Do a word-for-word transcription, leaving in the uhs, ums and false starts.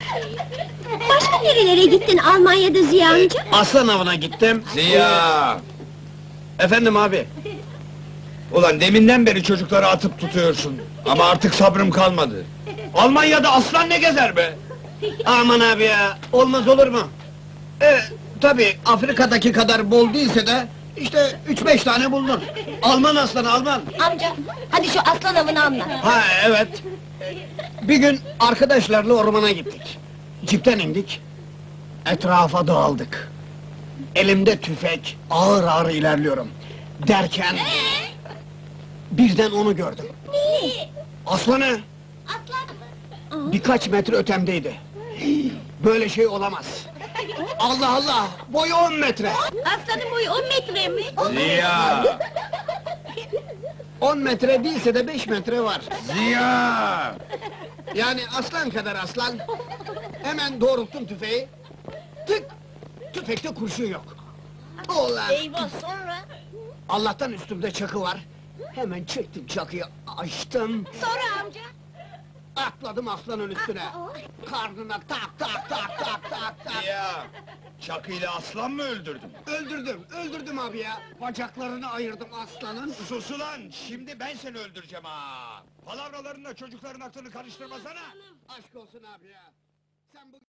Başka nerelere gittin Almanya'da Ziya amca? Aslan avına gittim. Ziya! Efendim abi. Ulan deminden beri çocukları atıp tutuyorsun. Ama artık sabrım kalmadı. Almanya'da aslan ne gezer be? Aman abi ya, olmaz olur mu? E, tabi Afrika'daki kadar bol değilse de, işte üç beş tane buldun. Alman aslanı, Alman! Amca, hadi şu aslan avını anlat. Ha evet. Bir gün arkadaşlarla ormana gittik. Cipten indik. Etrafa dağıldık. Elimde tüfek, ağır ağır ilerliyorum. Derken... birden onu gördüm. Ne? Aslanı! Aslan mı? Birkaç metre ötemdeydi. Böyle şey olamaz. Allah Allah! Boyu on metre! Aslanın boyu on metre mi? Ziya! On metre değilse de beş metre var. Ziya! Yani aslan kadar aslan. Hemen doğrulttum tüfeği. Tık! Tüfekte kurşun yok. Ulan! Eyvah, sonra? Allah'tan üstümde çakı var. Hemen çektim çakıyı, açtım. Sonra amca? Atladım aslanın üstüne. Karnına tak tak tak tak tak tak. Ziya! Çakıyla aslan mı öldürdün? Öldürdüm, öldürdüm abi ya. Bacaklarını ayırdım aslanın. Sus ulan! Şimdi ben seni öldüreceğim ha! Palavralarınla çocukların aklını karıştırmasana! Aşk olsun abi ya. Sen bu